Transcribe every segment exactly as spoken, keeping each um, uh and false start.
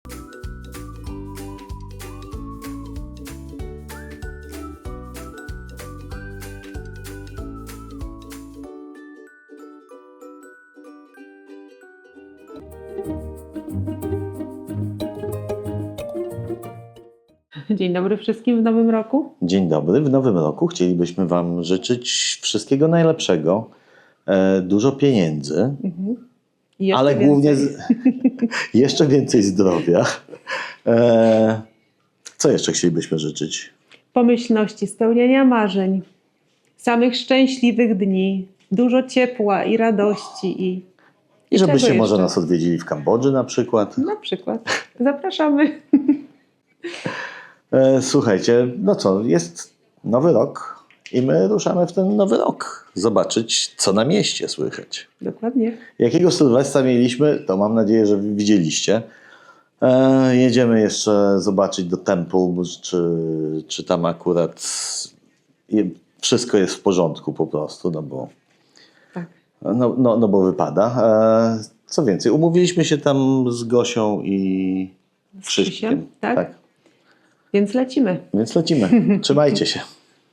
Dzień dobry wszystkim w nowym roku. Dzień dobry. W nowym roku chcielibyśmy Wam życzyć wszystkiego najlepszego, e, dużo pieniędzy, Mhm. I jeszcze ale więcej. głównie z, jeszcze więcej zdrowia. E, co jeszcze chcielibyśmy życzyć? Pomyślności, spełniania marzeń, samych szczęśliwych dni, dużo ciepła i radości i I żebyście czego może jeszcze? nas odwiedzili w Kambodży na przykład. Na przykład. Zapraszamy. E, słuchajcie, no co, jest nowy rok i my ruszamy w ten nowy rok. Zobaczyć, co na mieście słychać. Dokładnie. Jakiego Sylwestra mieliśmy, to mam nadzieję, że widzieliście. E, jedziemy jeszcze zobaczyć do Temple, czy, czy tam akurat je, wszystko jest w porządku po prostu, no bo, Tak. no, no, no bo wypada. E, co więcej, umówiliśmy się tam z Gosią i Z Krzyśkiem. Krzysiem, tak? Więc lecimy. Więc lecimy. Trzymajcie się.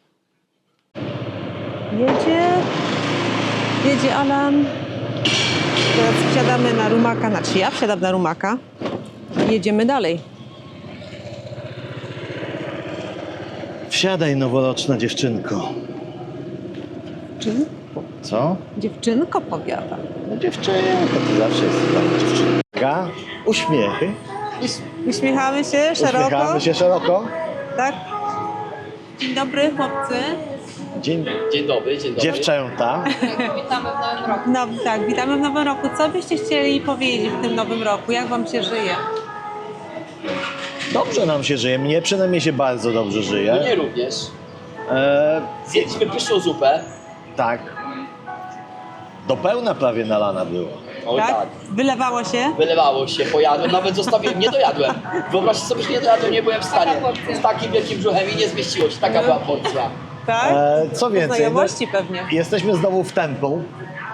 Jedzie. Jedzie Alan. Teraz wsiadamy na rumaka. Znaczy ja wsiadam na rumaka. I jedziemy dalej. Wsiadaj, noworoczna dziewczynko. Czym? Co? Dziewczynko powiada. No dziewczynka, ty zawsze jest tam dziewczynka. Uśmiechy. Uś- Uśmiechamy się szeroko. Uśmiechamy się szeroko. Tak? Dzień dobry chłopcy. Dzień, Dzień dobry, dzień dobry. dziewczęta. Witamy w nowym roku. No tak, witamy w nowym roku. Co byście chcieli powiedzieć w tym nowym roku? Jak wam się żyje? Dobrze nam się żyje. Mnie przynajmniej się bardzo dobrze żyje. Mnie również. E, Zjedliśmy pyszną zupę. tak. Do pełna prawie nalana było. O tak. Tak? Wylewało się? Wylewało się, pojadłem, nawet zostawiłem, nie dojadłem. Wyobraźcie sobie, że nie dojadłem, nie byłem w stanie. Z takim wielkim brzuchem i nie zmieściło się, taka była porcja. Tak? E, co więcej, no, Znajomości pewnie. jesteśmy znowu w Temple.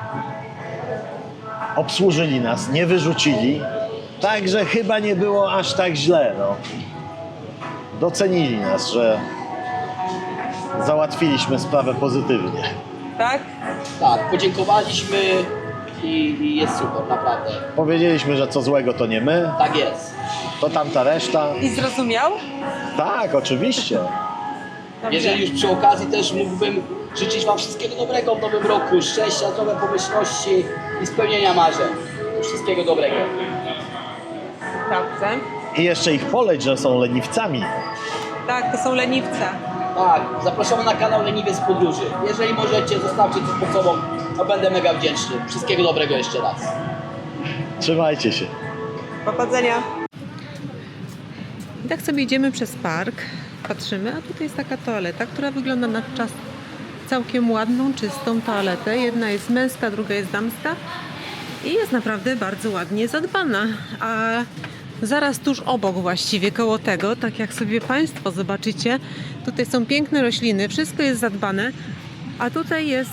Obsłużyli nas, nie wyrzucili. Także chyba nie było aż tak źle. No. Docenili nas, że załatwiliśmy sprawę pozytywnie. Tak? Tak, podziękowaliśmy i, i jest super, naprawdę. Powiedzieliśmy, że co złego to nie my, Tak jest. to tamta reszta. I zrozumiał? Tak, oczywiście. Dobrze. Jeżeli już przy okazji też mógłbym życzyć Wam wszystkiego dobrego w nowym roku, szczęścia, zdrowia, pomyślności i spełnienia marzeń. Wszystkiego dobrego. Dobrze. I jeszcze ich poleć, że są leniwcami. Tak, to są leniwce. Tak, zapraszamy na kanał Leniwiec Podróży. Jeżeli możecie, zostawcie coś pod sobą, to będę mega wdzięczny. Wszystkiego dobrego jeszcze raz. Trzymajcie się. Powodzenia. I tak sobie idziemy przez park, patrzymy, a tutaj jest taka toaleta, która wygląda na czas całkiem ładną, czystą toaletę. Jedna jest męska, druga jest damska i jest naprawdę bardzo ładnie zadbana. A zaraz tuż obok właściwie, koło tego, tak jak sobie Państwo zobaczycie, tutaj są piękne rośliny, wszystko jest zadbane, a tutaj jest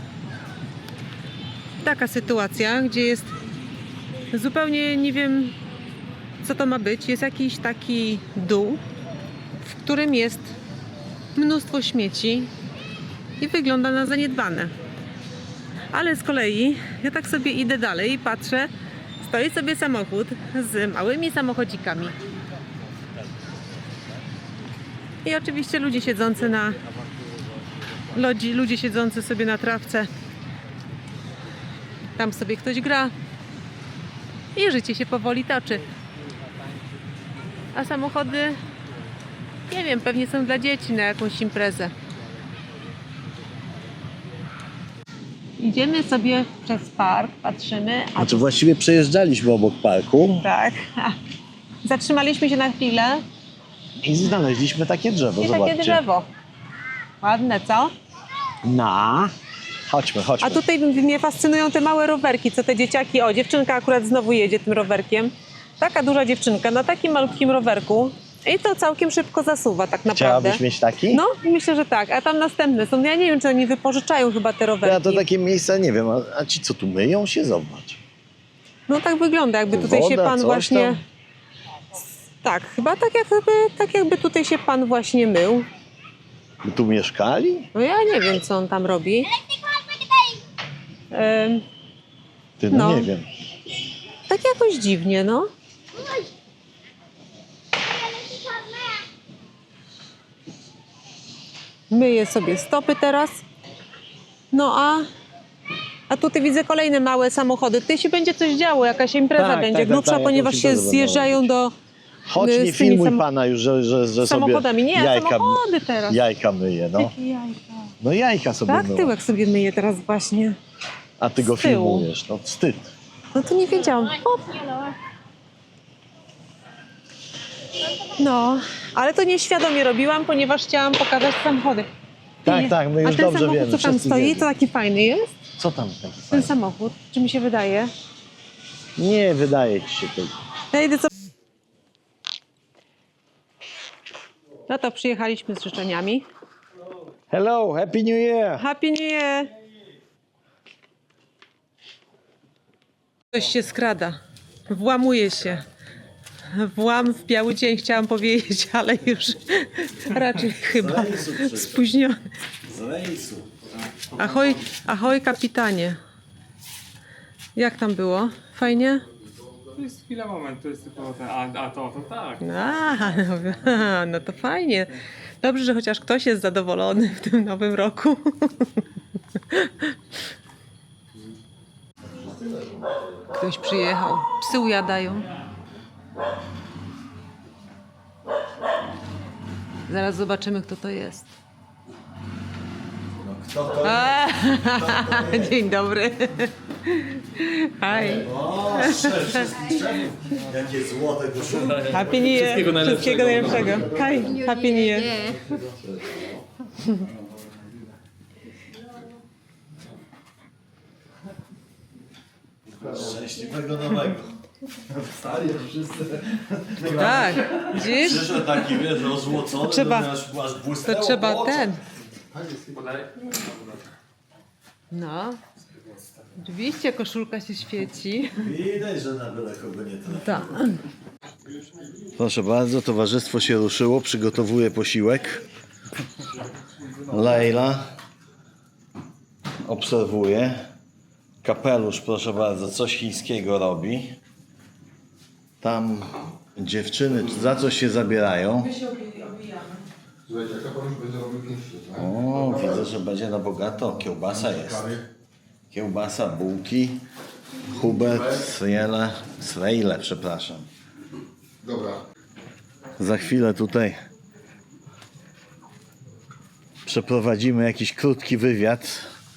taka sytuacja, gdzie jest zupełnie nie wiem, co to ma być. Jest jakiś taki dół, w którym jest mnóstwo śmieci i wygląda na zaniedbane. Ale z kolei ja tak sobie idę dalej i patrzę, stoi sobie samochód z małymi samochodzikami. I oczywiście ludzie siedzący na lodzi, ludzie siedzący sobie na trawce. Tam sobie ktoś gra i życie się powoli toczy. A samochody, nie wiem, pewnie są dla dzieci na jakąś imprezę. Idziemy sobie przez park, patrzymy. A Znaczy właściwie przejeżdżaliśmy obok parku tak. Zatrzymaliśmy się na chwilę i znaleźliśmy takie drzewo. i Zobaczcie. takie drzewo. Ładne, co? Na. Chodźmy, chodźmy. A tutaj mnie fascynują te małe rowerki, co te dzieciaki... O, dziewczynka akurat znowu jedzie tym rowerkiem. Taka duża dziewczynka na takim malutkim rowerku. I to całkiem szybko zasuwa tak naprawdę. Chciałabyś mieć taki? No, myślę, że tak. A tam następne są. Ja nie wiem, czy oni wypożyczają chyba te rowerki. Ja to takie miejsca nie wiem, a, a ci co tu myją się? Zobacz. No tak wygląda, jakby tutaj Woda, się pan coś właśnie tam. Tak, chyba tak jakby, tak jakby tutaj się pan właśnie mył. My tu mieszkali? No ja nie wiem, co on tam robi. Em, Ty, no, No. nie wiem. tak jakoś dziwnie, no. Myję sobie stopy teraz. No a, a tutaj widzę kolejne małe samochody. Tutaj się będzie coś działo, jakaś impreza Tak, będzie tak, tak, grubsza, tak, ponieważ jakąś się imprezę będą zjeżdżają do Chodź, y, nie z tymi filmuj sam- pana już, że, że, że sobie samochodami. Nie, jajka, samochody teraz. jajka myje, no. Jakie jajka. No jajka sobie Tak, myła. tyłek sobie myję teraz właśnie. A ty go z tyłu. filmujesz, no wstyd. No to nie wiedziałam. O. No, ale to nieświadomie robiłam, ponieważ chciałam pokazać samochody. Tak, Nie. tak, my A już ten dobrze samochód, wiemy. co tam wszyscy stoi, wiemy. to taki fajny jest? Co tam taki Ten fajny? samochód, czy mi się wydaje? Nie, wydaje ci się to. Ja idę co... No to przyjechaliśmy z życzeniami. Hello, Happy New Year! Happy New Year! Ktoś się skrada. Włamuje się. Włam w biały dzień chciałam powiedzieć, ale już raczej chyba spóźniony. Z rejsu. Ahoj, ahoj kapitanie. Jak tam było? Fajnie? To jest chwila, moment, to jest tylko ten, a, a to, to tak. A, no, no to fajnie. Dobrze, że chociaż ktoś jest zadowolony w tym nowym roku. Ktoś przyjechał. Psy ujadają. Zaraz zobaczymy, kto to jest. Kto to A, dzień dobry. Hi. O, wszystkich szczepów. Jakie złote koszulki. Happy New Year. Wszystkiego najlepszego. Wszystkiego najlepszego. Hi. Happy New Year. Szczęśliwego nowego. Stary, wszyscy. Tak. Widzisz? Przyszedł taki, wiesz, ozłocony, Trzeba- to aż, aż To błysnęło trzeba po oczach. ten. Podaj. No. Oczywiście koszulka się świeci. Widać, że na byle kogo nie trafi. Tak. Proszę bardzo, towarzystwo się ruszyło, przygotowuje posiłek. Leila obserwuje. Kapelusz, proszę bardzo, coś chińskiego robi. Tam dziewczyny za coś się zabierają. O, widzę, że będzie na bogato. Kiełbasa jest. Kiełbasa, bułki, Hubert, Srejle, Srejle, przepraszam. Dobra. Za chwilę tutaj przeprowadzimy jakiś krótki wywiad.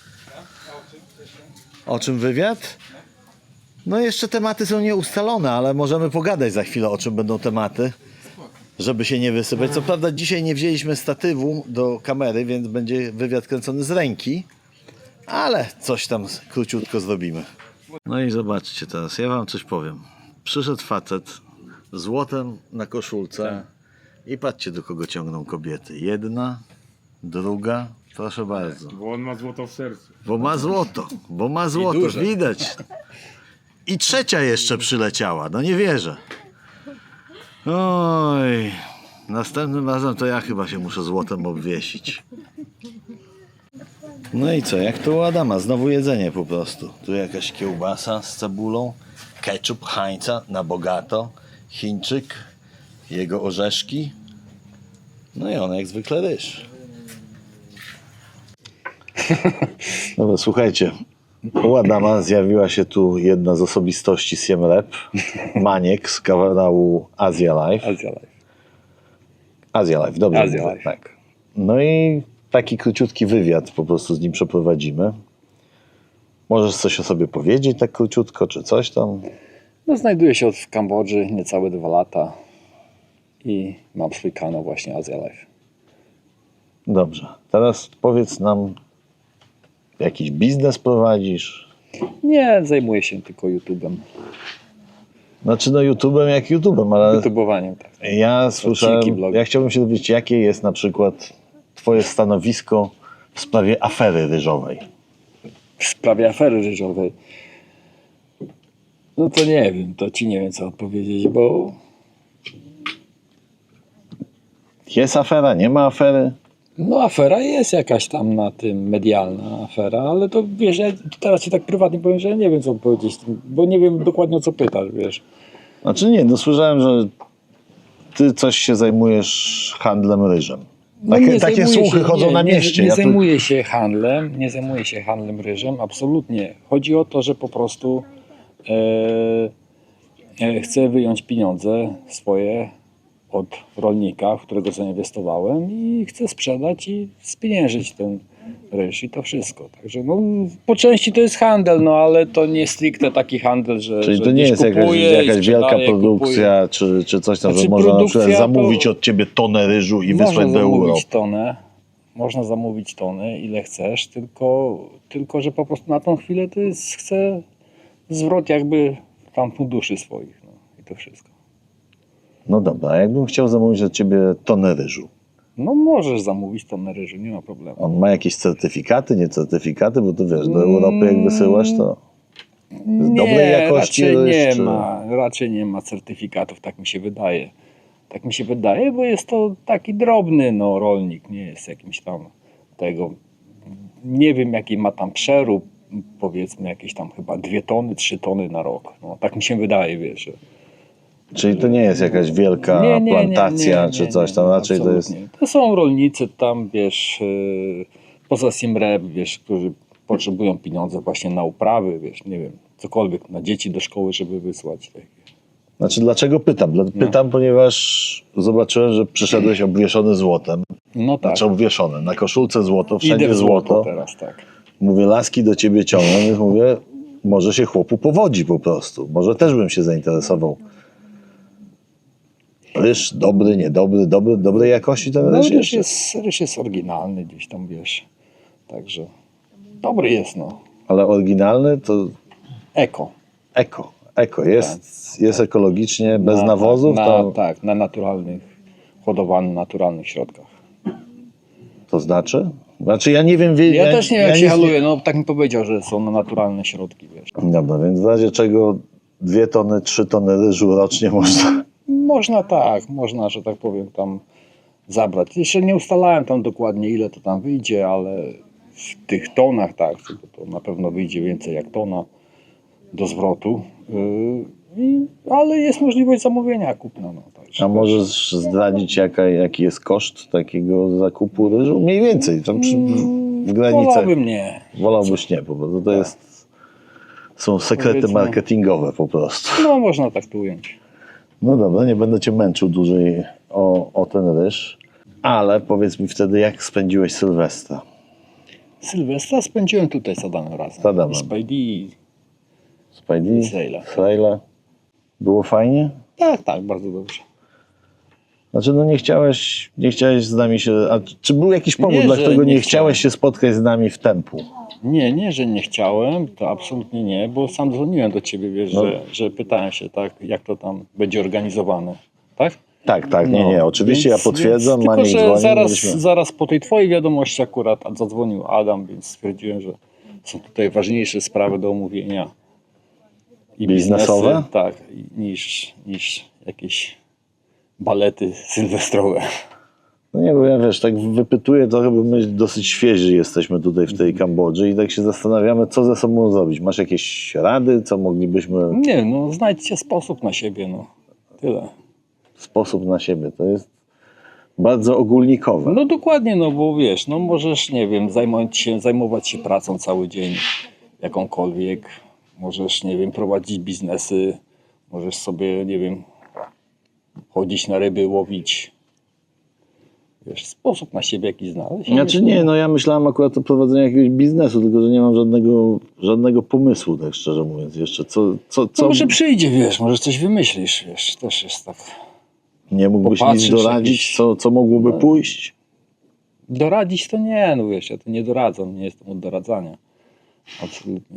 O czym wywiad? No jeszcze tematy są nieustalone, ale możemy pogadać za chwilę, o czym będą tematy, żeby się nie wysypać. Co prawda dzisiaj nie wzięliśmy statywu do kamery, więc będzie wywiad kręcony z ręki, ale coś tam króciutko zrobimy. No i zobaczcie teraz, ja wam coś powiem. Przyszedł facet z złotem na koszulce i patrzcie, do kogo ciągną kobiety. Jedna, druga, proszę bardzo. Bo on ma złoto w sercu. Bo ma złoto, bo ma złoto, duże. widać. I trzecia jeszcze przyleciała, no nie wierzę. Oj, następnym razem to ja chyba się muszę złotem obwiesić. No i co, jak to u Adama, znowu jedzenie po prostu. Tu jakaś kiełbasa z cebulą, ketchup Heinza na bogato, Chińczyk, jego orzeszki, no i on jak zwykle ryż. Dobra, słuchajcie, u Adama zjawiła się tu jedna z osobistości Siem Rep, Maniek z kanału Asia Life. Asia Life. Asia Life, dobrze Asia mówię, Life. tak. No i taki króciutki wywiad po prostu z nim przeprowadzimy. Możesz coś o sobie powiedzieć tak króciutko, czy coś tam? No, znajduję się od w Kambodży niecałe dwa lata i mam swój kanał właśnie Asia Life. Dobrze, teraz powiedz nam, jakiś biznes prowadzisz? Nie zajmuję się tylko YouTube'em. Znaczy no YouTube'em jak YouTube'em, ale YouTube'owaniem, tak. ja słyszałem, Odcinki, blogi. ja chciałbym się dowiedzieć, jakie jest na przykład twoje stanowisko w sprawie afery ryżowej. W sprawie afery ryżowej. No to nie wiem, to ci nie wiem co odpowiedzieć, bo Jest afera, nie ma afery? No afera jest jakaś tam na tym, medialna afera, ale to wiesz, ja teraz ci tak prywatnie powiem, że ja nie wiem co powiedzieć, bo nie wiem dokładnie o co pytasz, wiesz. Znaczy nie, no słyszałem, że ty coś się zajmujesz handlem ryżem. No Takie, nie takie zajmuję słuchy się, chodzą nie, na nie, mieście. Nie, Ja tu- zajmuję się handlem, nie zajmuję się handlem ryżem, absolutnie. Chodzi o to, że po prostu e, e, chcę wyjąć pieniądze swoje od rolnika, w którego zainwestowałem i chcę sprzedać i spieniężyć ten ryż i to wszystko. Także no, po części to jest handel, no ale to nie stricte taki handel, że Czyli że to nie gdzieś jest jakaś, kupuję i jakaś wielka sprzedaję, produkcja, czy, czy coś tam, Znaczy, że można na przykład produkcja to- zamówić od ciebie tonę ryżu i Można wysłać do Europy. zamówić tonę, można zamówić tonę, ile chcesz, tylko, tylko że po prostu na tą chwilę to jest, chcę zwrot jakby tam funduszy swoich, no i to wszystko. No dobra, a jakbym chciał zamówić od ciebie tonę ryżu, No możesz zamówić tonę ryżu, nie ma problemu. on ma jakieś certyfikaty, nie certyfikaty, bo to wiesz, do Europy jak wysyłasz, to z dobrej jakości raczej ryż, nie czy... ma, raczej nie ma certyfikatów, tak mi się wydaje. Tak mi się wydaje, bo jest to taki drobny no, rolnik, nie jest jakimś tam tego, nie wiem jaki ma tam przerób, powiedzmy jakieś tam chyba dwie tony, trzy tony na rok. No, tak mi się wydaje, wiesz. Że... Czyli to nie jest jakaś wielka Nie, nie, nie, plantacja, nie, nie, czy coś nie, tam, nie, raczej to jest... absolutnie. To są rolnicy tam, wiesz, yy, poza Simrep, wiesz, którzy potrzebują pieniądze właśnie na uprawy, wiesz, nie wiem, cokolwiek, na dzieci do szkoły, żeby wysłać. Tak. Znaczy dlaczego pytam? Dla- Pytam, ponieważ zobaczyłem, że przyszedłeś obwieszony złotem. No tak, Znaczy obwieszony, na koszulce złoto, idę wszędzie w złoto złoto. teraz, tak. Mówię, laski do ciebie ciągną, więc mówię, może się chłopu powodzi po prostu. Może też bym się zainteresował. Ryż dobry, niedobry, dobry, dobrej jakości ten No, ryż ryż jeszcze. jest, ryż jest oryginalny gdzieś tam, wiesz, także dobry jest, no. Ale oryginalny to Eko. eko. Eko jest, jest ekologicznie, bez Na- nawozów, na, to, Tak, na naturalnych, hodowanych naturalnych środkach. to znaczy? Znaczy ja nie wiem... Wie, Ja, też nie wiem, jak się nic haluje, no tak mi powiedział, że są na naturalne środki, wiesz. Dobra, więc w razie czego dwie tony, trzy tony ryżu rocznie można... Można tak, można, że tak powiem, tam zabrać. Jeszcze nie ustalałem tam dokładnie, ile to tam wyjdzie, ale w tych tonach, tak, to, to na pewno wyjdzie więcej jak tona do zwrotu. Yy, i, ale jest możliwość zamówienia kupna. No, także A możesz zdradzić, jaka, jaki jest koszt takiego zakupu ryżu? Mniej więcej, tam przy, w granicach. Wolałbym nie. Wolałbyś nie, po prostu to jest... Są sekrety Powiedzmy- marketingowe po prostu. No można tak tu ująć. No dobra, nie będę cię męczył dłużej o, o ten ryż. Ale powiedz mi wtedy, jak spędziłeś Sylwestra? Sylwestra spędziłem tutaj z Adamem razem. Z Adamem. I Spidey. Spajdi? Sejla. Sejla? Było fajnie? Tak, tak, bardzo dobrze. Znaczy, no nie chciałeś, nie chciałeś z nami się... A czy był jakiś powód, Nie, dla że którego nie, nie chciałeś się spotkać z nami w Tempu? Nie, nie, że nie chciałem, to absolutnie nie, bo sam dzwoniłem do ciebie, wiesz, No. że, że pytałem się, tak, jak to tam będzie organizowane, tak? Tak, tak, nie, No, nie. Oczywiście więc- ja potwierdzam, więc, Maniek tylko, że dzwonił. zaraz, byliśmy- zaraz po tej twojej wiadomości akurat zadzwonił Adam, więc stwierdziłem, że są tutaj ważniejsze sprawy do omówienia. I Biznesowe? biznesy, tak, i- niż, niż jakieś balety sylwestrowe. No nie, bo ja wiesz, tak wypytuję trochę, bo my dosyć świeży jesteśmy tutaj w tej Kambodży i tak się zastanawiamy, co ze sobą zrobić. Masz jakieś rady, co moglibyśmy... Nie, no znajdźcie sposób na siebie, no. Tyle. Sposób na siebie, to jest bardzo ogólnikowe. No dokładnie, no bo wiesz, no możesz, nie wiem, zajmować się, zajmować się pracą cały dzień, jakąkolwiek. Możesz, nie wiem, prowadzić biznesy, możesz sobie, nie wiem, chodzić na ryby, łowić. Wiesz, sposób na siebie jakiś znaleźć. Znaczy nie, no ja myślałem akurat o prowadzeniu jakiegoś biznesu, tylko że nie mam żadnego, żadnego pomysłu, tak szczerze mówiąc jeszcze. Co, co, co No może przyjdzie, wiesz, może coś wymyślisz, wiesz, też jest tak. nie mógłbyś nic popatrzysz doradzić, jakieś- co, co mogłoby pójść? Doradzić to nie, no wiesz, ja to nie doradzam, nie jestem od doradzania. Absolutnie.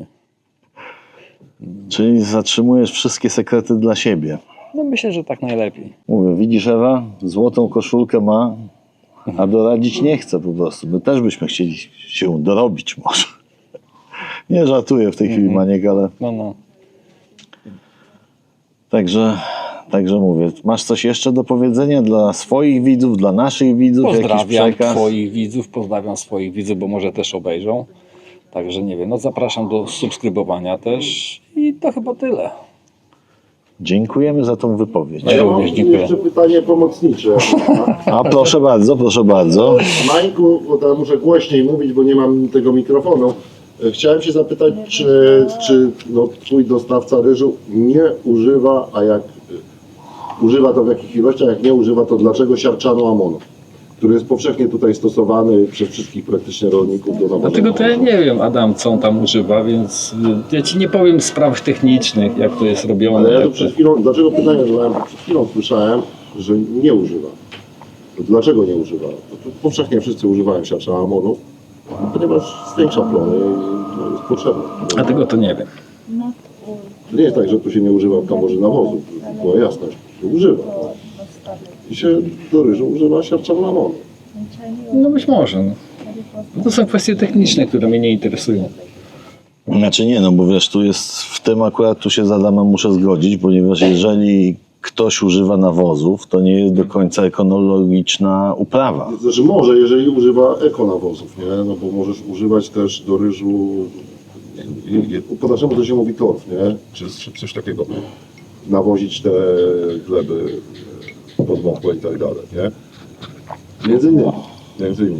Czyli zatrzymujesz wszystkie sekrety dla siebie. No myślę, że tak najlepiej. Mówię, widzisz Ewa, złotą koszulkę ma, a doradzić nie chce po prostu. My też byśmy chcieli się dorobić może. Nie żartuję w tej chwili, Maniek, ale No, no. także Także mówię, masz coś jeszcze do powiedzenia dla swoich widzów, dla naszych widzów? Jakiś Pozdrawiam przekaz? Twoich widzów, pozdrawiam swoich widzów, bo może też obejrzą. Także nie wiem, no zapraszam do subskrybowania też i to chyba tyle. Dziękujemy za tą wypowiedź. Ja również dziękuję. Jeszcze pytanie pomocnicze. A proszę bardzo, proszę bardzo. Mańku, bo tam muszę głośniej mówić, bo nie mam tego mikrofonu. E, Chciałem się zapytać, czy, czy no, twój dostawca ryżu nie używa, a jak e, używa to w jakich ilościach, jak nie używa, to dlaczego siarczanu amonu, który jest powszechnie tutaj stosowany przez wszystkich praktycznie rolników do nawożenia? Dlatego to ja nie wiem, Adam, co on tam używa, więc y, ja Ci nie powiem spraw technicznych, jak to jest robione. Ale ja jak tu to... przed chwilą, dlaczego pytanie zadałem? Przed chwilą słyszałem, że nie używa. Dlaczego nie używa? To powszechnie wszyscy używają siarczanu amonu, ponieważ zwiększa plony i no, jest potrzebny. A tego to nie wiem. To nie jest tak, że tu się nie używa kamorzy nawozów, była jasność, się używa. I się do ryżu używa siarczanu amonu. No być może. No. To są kwestie techniczne, które mnie nie interesują. Znaczy nie, no bo wiesz, tu jest, w tym akurat tu się z Adamem muszę zgodzić, ponieważ jeżeli ktoś używa nawozów, to nie jest do końca ekonomiczna uprawa. Znaczy może, jeżeli używa ekonawozów, nie? No bo możesz używać też do ryżu, nie, nie, po naszemu to się mówi torf, nie? Czy, czy coś takiego. Nawozić te gleby podmokłe i tak dalej, nie? Między innymi. Między innymi.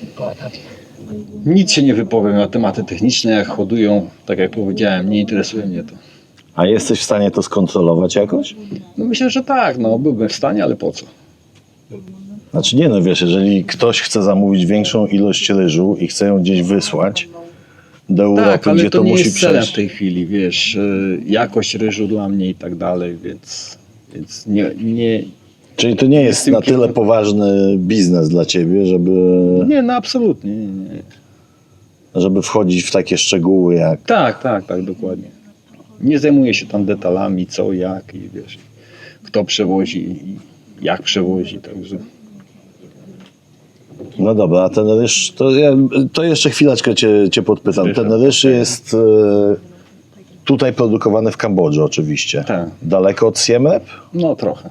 Nic się nie wypowiem na tematy techniczne, jak hodują, tak jak powiedziałem, nie interesuje mnie to. A jesteś w stanie to skontrolować jakoś? No myślę, że tak, no byłbym w stanie, ale po co? Znaczy nie, no wiesz, jeżeli ktoś chce zamówić większą ilość ryżu i chce ją gdzieś wysłać do Europy, Tak, ale gdzie to, to, nie musi jest celem w przejść. tej chwili, wiesz, y, jakość ryżu dla mnie i tak dalej, więc, więc nie, nie, Czyli to nie jest tym na tyle kierunku. poważny biznes dla ciebie, żeby, nie, no absolutnie, nie, nie. żeby wchodzić w takie szczegóły jak... Tak, tak, tak, dokładnie. Nie zajmuję się tam detalami, co, jak i wiesz, kto przewozi i jak przewozi, także... No dobra, a ten ryż, to, ja, to jeszcze chwileczkę cię, cię podpytam. Słyszę. Ten ryż jest e, tutaj produkowany w Kambodży oczywiście. Tak. Daleko od Siem Reap No trochę.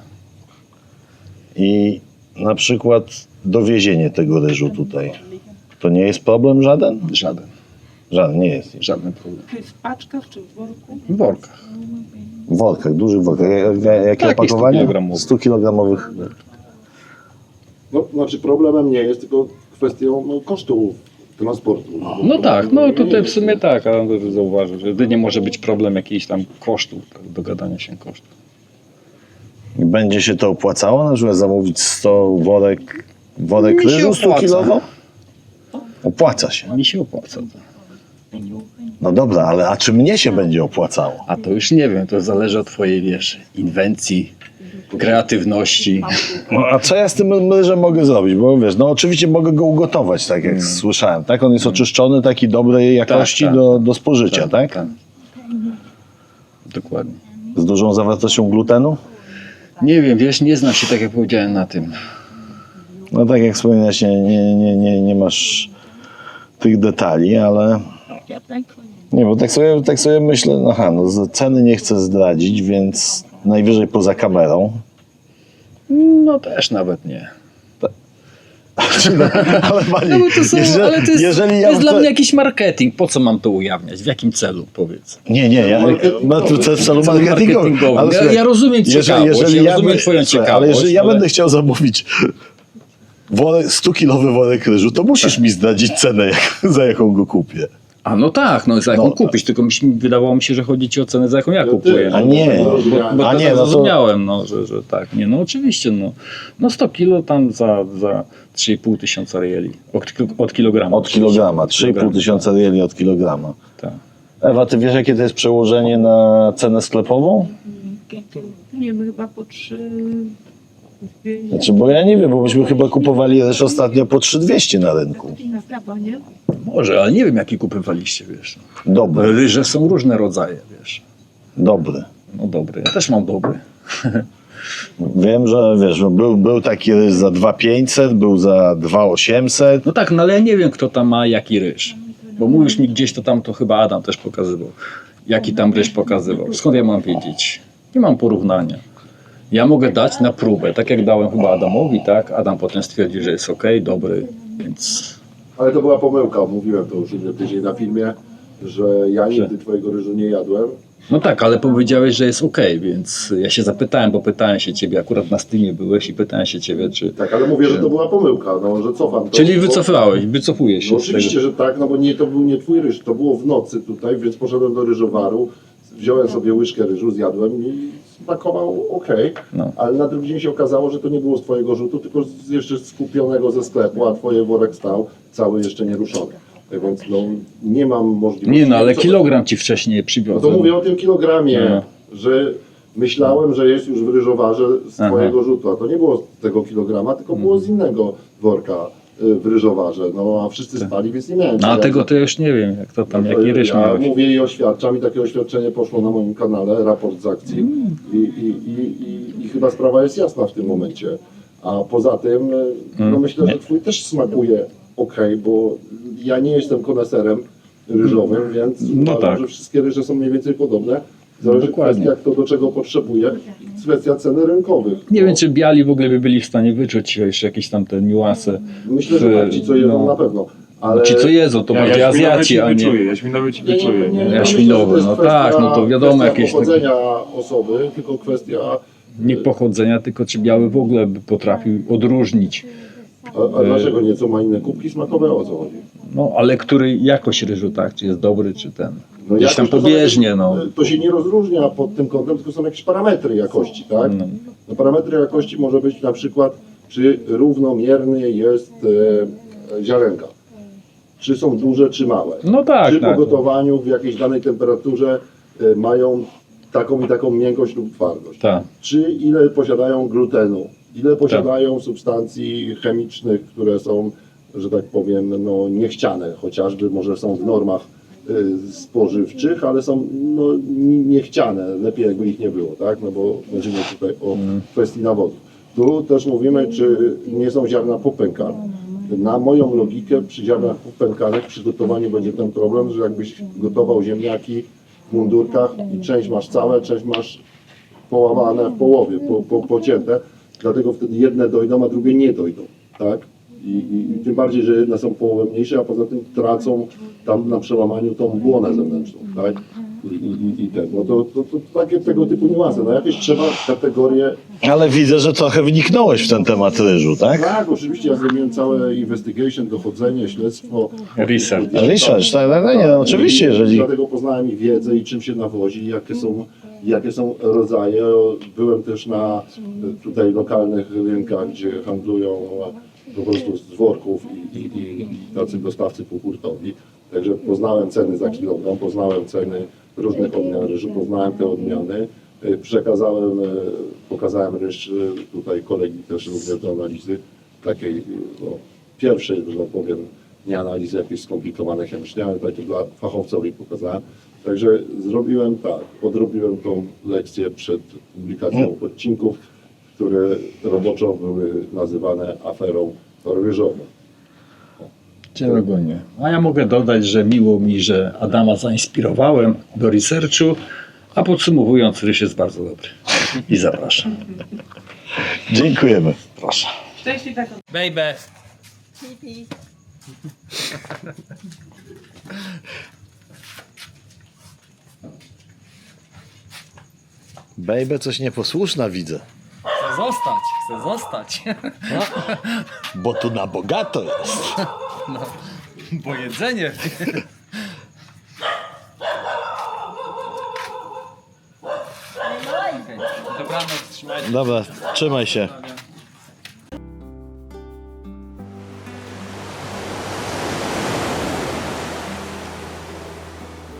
i na przykład dowiezienie tego ryżu tutaj. To nie jest problem żaden? Żaden, Żaden, nie jest. żaden problem. Czy w paczkach, czy w worku? W workach. W workach, dużych workach. Jak- jak- Jakie Takich opakowanie? sto kilogramowych. sto kilogramowych. No, znaczy problemem nie jest, tylko kwestią no, kosztu transportu. No tak, no tutaj w sumie tak, ale zauważył, że to nie może być problem jakichś tam kosztów, dogadania się kosztów. I będzie się to opłacało? Na przykład zamówić sto worek, worek Mi się ryżu sto opłaca. kilowo? Opłaca się. Mi się opłaca to. No dobra, ale a czy mnie się będzie opłacało? A to już nie wiem, to zależy od twojej, wiesz, inwencji, kreatywności. No, a co ja z tym ryżem mogę zrobić? Bo wiesz, no oczywiście mogę go ugotować, tak jak słyszałem, tak? On jest oczyszczony, taki dobrej jakości tak. do, do spożycia, tak? tak? Dokładnie. Z dużą zawartością glutenu? Nie wiem, wiesz, nie znam się, tak jak powiedziałem, na tym. No tak jak wspominałeś, nie, nie, nie, nie, nie masz tych detali, ale... Nie, bo tak sobie, tak sobie myślę, no aha, no z- ceny nie chcę zdradzić, więc najwyżej poza kamerą. No też nawet nie. Ale panie, No bo to są, jeżeli, ale to jest, jeżeli to ja jest dla chcę- mnie jakiś marketing. Po co mam to ujawniać? W jakim celu, powiedz? Nie, nie, ja, no to to jest celu Celu marketingowym. marketingowym. Ale Ja- słuchaj, ja rozumiem ciekawość, ja rozumiem by- twoją słuchaj, ciekawość, Ale jeżeli ja ale- będę chciał zamówić worek, sto kilowy worek ryżu, to musisz mi zdradzić cenę, jak, za jaką go kupię. A no tak, no za jaką No, kupić, tylko mi się, wydawało mi się, że chodzi ci o cenę, za jaką ja kupuję. A No, nie, Bo, bo a to nie, no to... zrozumiałem, no, że, że tak. Nie, no oczywiście, no, no sto kilo tam za, za trzy i pół tysiąca rieli. Od, od kilograma. Od kilograma, trzy i pół tysiąca rieli od kilograma. Tak. Ewa, ty wiesz, jakie to jest przełożenie na cenę sklepową? Nie wiem, chyba po trzy... Znaczy, bo ja nie wiem, bo myśmy chyba kupowali ryż ostatnio po trzy dwieście na rynku. Na prawo, nie? Może, ale nie wiem, jaki kupywaliście, wiesz. Dobry, Ryże są różne rodzaje, wiesz. dobry. No dobry, ja też mam dobry. Wiem, że wiesz, no był, był taki ryż za dwa tysiące pięćset, był za dwa tysiące osiemset. No tak, no ale ja nie wiem, kto tam ma jaki ryż. Bo mówisz mi gdzieś, to tam to chyba Adam też pokazywał. Jaki tam ryż pokazywał. Skąd ja mam wiedzieć? Nie mam porównania. Ja mogę dać na próbę, tak jak dałem chyba Adamowi, tak? Adam potem stwierdził, że jest ok, dobry, więc Ale to była pomyłka, mówiłem to już inny tydzień na filmie, że ja nigdy twojego ryżu nie jadłem. no tak, ale powiedziałeś, że jest ok, więc ja się zapytałem, bo pytałem się ciebie, akurat na Steamie byłeś i pytałem się ciebie, czy... Tak, ale mówię, że to była pomyłka, no, że cofam to. Czyli bo- wycofałeś, wycofujesz się No z tego. oczywiście, że tak, no bo nie, to był nie twój ryż, to było w nocy tutaj, więc poszedłem do ryżowaru, wziąłem sobie łyżkę ryżu, zjadłem i smakował ok, No. ale na drugi dzień się okazało, że to nie było z twojego rzutu, tylko z, jeszcze skupionego ze sklepu, a twoje worek stał cały jeszcze nieruszony. Tak więc no, nie mam możliwości. Nie no, ale Co- kilogram ci wcześniej No to przywiozłem. mówię o tym kilogramie, No. że myślałem, że jest już w ryżowarze z Aha. twojego rzutu, a to nie było z tego kilograma, tylko było z innego worka y, w ryżowarze, no a wszyscy spali, więc nie miałem. No a jak- tego to już nie wiem, jak to tam, no to jaki ryż ja miałeś. mówię i oświadczam i takie oświadczenie poszło na moim kanale, raport z akcji Mm. I, i, i, i, i chyba sprawa jest jasna w tym momencie. A poza tym, y, no Mm. myślę, że twój też smakuje ok, bo ja nie jestem koneserem ryżowym, więc No uważam, tak. że wszystkie ryże są mniej więcej podobne. Zależy Dokładnie. kwestia, kto do czego potrzebuje, kwestia ceny rynkowych. Nie No, wiem, czy biali w ogóle by byli w stanie wyczuć jeszcze jakieś tam te niuanse. Myślę, że w- tak, ci co jedzą no. na pewno. Ale Ci co jedzą, to bardziej Azjaci, a nie... wyczuję, jaśminowy ci Nie, nie, wyczuję. nie, Nie, nie, Jaśminowy, myślę, że to jest no kwestia- tak, no to wiadomo, kwestia jakieś takie- pochodzenia osoby, tylko kwestia. Nie pochodzenia, tylko czy biały w ogóle by potrafił odróżnić. A, a dlaczego nieco ma inne kubki smakowe, o co chodzi? No, ale który jakość ryżu, tak? Czy jest dobry, czy ten. No Gdzieś tam jakoś to są pobieżnie, jakieś- no. To się nie rozróżnia pod tym kątem, tylko są jakieś parametry jakości, tak? No. No, parametry jakości może być na przykład, czy równomierny jest e, ziarenka. Czy są duże, czy małe. No tak, Czy tak. po gotowaniu w jakiejś danej temperaturze e, mają taką i taką miękkość lub twardość. Tak. Czy ile posiadają glutenu, ile posiadają substancji chemicznych, które są, że tak powiem, no, niechciane, chociażby może są w normach y, spożywczych, ale są no, ni- niechciane, lepiej jakby ich nie było, tak? No bo będziemy tutaj o kwestii nawozów. Tu też mówimy, czy nie są ziarna popękane. Na moją logikę przy ziarnach popękanych przy gotowaniu będzie ten problem, że jakbyś gotował ziemniaki w mundurkach i część masz całe, część masz połamane w połowie, po, po, pocięte, dlatego wtedy jedne dojdą, a drugie nie dojdą, tak? I, i, I tym bardziej, że jedne są połowę mniejsze, a poza tym tracą tam na przełamaniu tą błonę zewnętrzną, tak? I, i, i ten, no to, to, to takie tego typu niuanse, no jakieś trzeba kategorie. Ale widzę, że trochę wniknąłeś w ten temat ryżu, tak? Tak, oczywiście ja zrobiłem całe investigation, dochodzenie, śledztwo. Research. Research, tak, tak, tak, nie, no oczywiście, I jeżeli... Dlatego poznałem ich wiedzę i czym się nawozi, jakie są, jakie są rodzaje. Byłem też na e, tutaj lokalnych rynkach, gdzie handlują e, po prostu z worków i, i, i, i tacy dostawcy półhurtowi. Także poznałem ceny za kilogram, poznałem ceny różnych odmian ryżu, poznałem te odmiany. E, Przekazałem, e, pokazałem ryż e, tutaj kolegi też również do analizy takiej no, pierwszej, że tak powiem, nie analizy jakiejś skomplikowanej chemicznie, ale takie dla fachowcowi pokazałem. Także zrobiłem tak, odrobiłem tą lekcję przed publikacją odcinków, które roboczo były nazywane aferą ryżową. Cierogonie. A ja mogę dodać, że miło mi, że Adama zainspirowałem do researchu, a podsumowując, ryż jest bardzo dobry. I zapraszam. Dziękujemy. Proszę. Baby. Baby coś nieposłuszna widzę, Chcę zostać, chcę zostać. bo tu na bogato jest. Bo jedzenie. Dobranoc, trzymajcie się. Dobra, trzymaj się.